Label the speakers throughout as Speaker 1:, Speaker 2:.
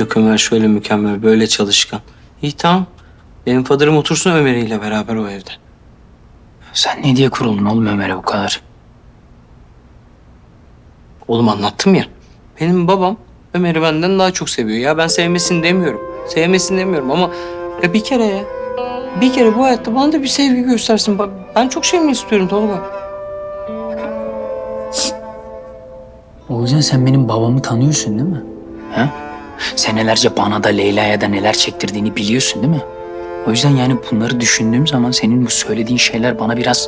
Speaker 1: Yok Ömer şöyle mükemmel, böyle çalışkan. İyi tamam. Benim fadırım otursun Ömer'iyle beraber o evde.
Speaker 2: Sen ne diye kuruldun oğlum Ömer'e bu kadar?
Speaker 1: Oğlum anlattım ya. Benim babam Ömer'i benden daha çok seviyor. Ya ben sevmesini demiyorum. Sevmesini demiyorum ama ya bir kere ya. Bir kere bu hayatta bana da bir sevgi göstersin. Ben çok şey mi istiyorum Tolga?
Speaker 2: Oğulcan sen benim babamı tanıyorsun değil mi? Ha? Senelerce bana da Leyla'ya da neler çektirdiğini biliyorsun değil mi? O yüzden yani bunları düşündüğüm zaman senin bu söylediğin şeyler bana biraz...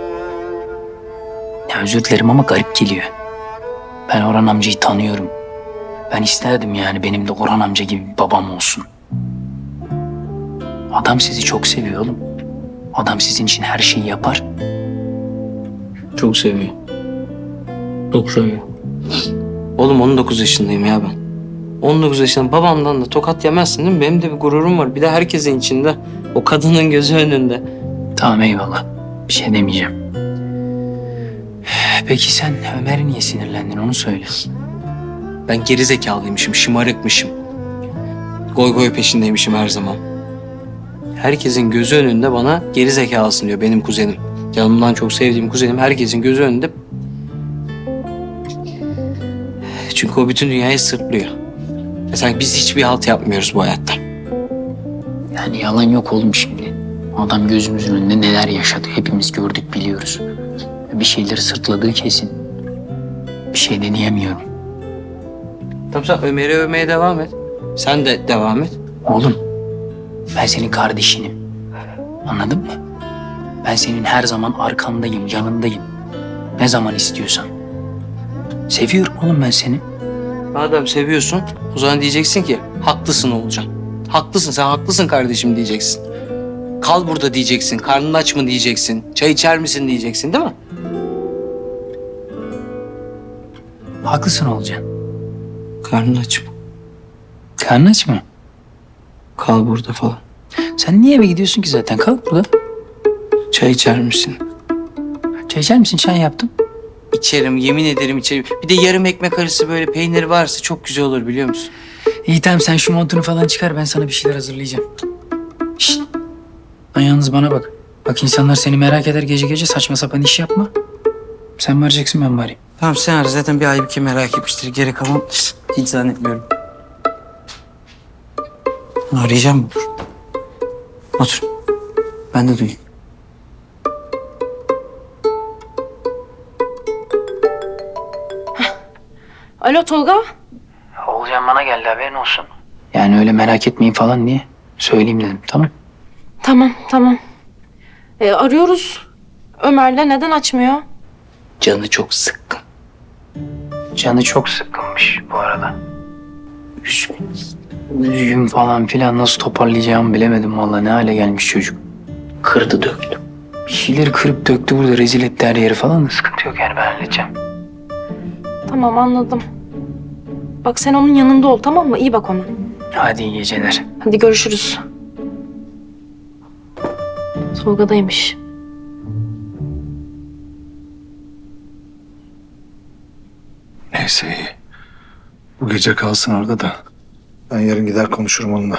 Speaker 2: Ya özür dilerim ama garip geliyor. Ben Orhan amcayı tanıyorum. Ben isterdim yani benim de Orhan amca gibi bir babam olsun. Adam sizi çok seviyor oğlum. Adam sizin için her şeyi yapar.
Speaker 1: Çok seviyor. Çok seviyor. Oğlum 19 yaşındayım ya ben. 19 yaşında babamdan da tokat yemezsin değil mi? Benim de bir gururum var. Bir de herkesin içinde. O kadının gözü önünde.
Speaker 2: Tamam eyvallah. Bir şey demeyeceğim. Peki sen Ömer'e niye sinirlendin onu söyle.
Speaker 1: Ben geri zekalıymışım, şımarıkmışım. Goy goy peşindeymişim her zaman. Herkesin gözü önünde bana geri zekalısın diyor benim kuzenim. Canımdan çok sevdiğim kuzenim herkesin gözü önünde. Çünkü o bütün dünyayı sırtlıyor. Ve sanki biz hiçbir halt yapmıyoruz bu hayatta.
Speaker 2: Yani yalan yok oğlum şimdi. Adam gözümüzün önünde neler yaşadı hepimiz gördük biliyoruz. Bir şeyleri sırtladığı kesin. Bir şey de diyemiyorum.
Speaker 1: Tamam sen Ömer'i övmeye devam et. Sen de devam et.
Speaker 2: Oğlum ben senin kardeşinim. Anladın mı? Ben senin her zaman arkandayım, yanındayım. Ne zaman istiyorsan. Seviyorum oğlum ben seni.
Speaker 1: Madem seviyorsun o zaman diyeceksin ki haklısın Oğulcan. Haklısın sen haklısın kardeşim diyeceksin. Kal burada diyeceksin. Karnın aç mı diyeceksin. Çay içer misin diyeceksin değil mi?
Speaker 2: Haklısın olacaksın.
Speaker 1: Karnın aç mı?
Speaker 2: Karnın aç mı?
Speaker 1: Kal burada falan.
Speaker 2: Sen niye eve gidiyorsun ki zaten? Kalk burada.
Speaker 1: Çay içer misin?
Speaker 2: Çay içer misin? Çay yaptım.
Speaker 1: İçerim yemin ederim içerim. Bir de yarım ekmek arası böyle peyniri varsa çok güzel olur biliyor musun?
Speaker 2: İyi tamam sen şu montunu falan çıkar ben sana bir şeyler hazırlayacağım. Şşt. Lan yalnız bana bak. Bak insanlar seni merak eder gece gece saçma sapan iş yapma. Sen varacaksın ben varayım.
Speaker 1: Tamam sen ara zaten bir Aybüke merak etmiştir. Geri kalan hiç zannetmiyorum. Arayacağım mı? Otur. Ben de duyayım.
Speaker 3: Alo Tolga.
Speaker 2: Olcan bana geldi haberin olsun. Yani öyle merak etmeyin falan diye söyleyeyim dedim tamam.
Speaker 3: Tamam. Arıyoruz. Ömer'le neden açmıyor?
Speaker 1: Canı çok sıkkın.
Speaker 2: Canı çok sıkkınmış bu arada. Üzgün falan filan nasıl toparlayacağımı bilemedim vallahi ne hale gelmiş çocuk. Kırdı döktü. Bir şeyleri kırıp döktü burada rezil etti her yeri falan da sıkıntı yok yani ben halledeceğim.
Speaker 3: Tamam anladım. Bak sen onun yanında ol tamam mı? İyi bak ona.
Speaker 2: Hadi iyi geceler.
Speaker 3: Hadi görüşürüz. Tolga'daymış.
Speaker 4: Neyse iyi. Bu gece kalsın orada da. Ben yarın gider konuşurum onunla.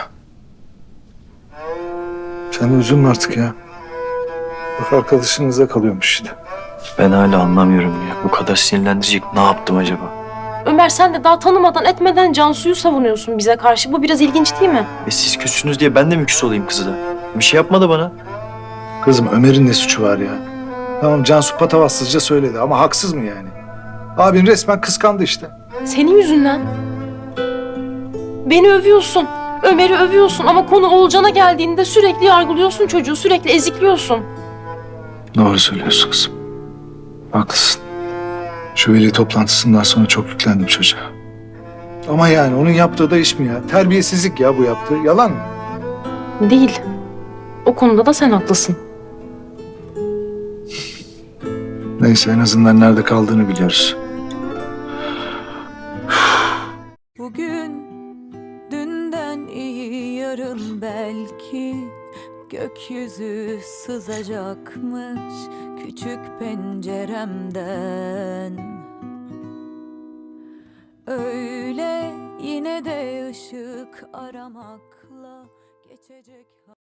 Speaker 4: Sen de üzülme artık ya. Bak arkadaşınıza kalıyormuş işte.
Speaker 5: Ben hala anlamıyorum ya. Bu kadar sinirlendirecek ne yaptım acaba?
Speaker 3: Ömer sen de daha tanımadan etmeden Cansu'yu savunuyorsun bize karşı. Bu biraz ilginç değil mi?
Speaker 5: Siz küssünüz diye ben de mi küs olayım kızı da? Bir şey yapmadı bana.
Speaker 4: Kızım Ömer'in ne suçu var ya? Tamam Cansu patavatsızca söyledi ama haksız mı yani? Abin resmen kıskandı işte.
Speaker 3: Senin yüzünden. Beni övüyorsun. Ömer'i övüyorsun ama konu Oğulcan'a geldiğinde sürekli yargılıyorsun çocuğu. Sürekli ezikliyorsun.
Speaker 4: Doğru söylüyorsun kızım. Haklısın. Şu veli toplantısından sonra çok yüklendim çocuğa. Ama yani onun yaptığı da iş mi ya? Terbiyesizlik ya bu yaptığı. Yalan mı?
Speaker 3: Değil. O konuda da sen haklısın.
Speaker 4: Neyse en azından nerede kaldığını biliyoruz.
Speaker 6: Bugün dünden iyi yarın belki gökyüzü sızacakmış küçük penceremden. Öyle yine Yine de ışık aramakla geçecek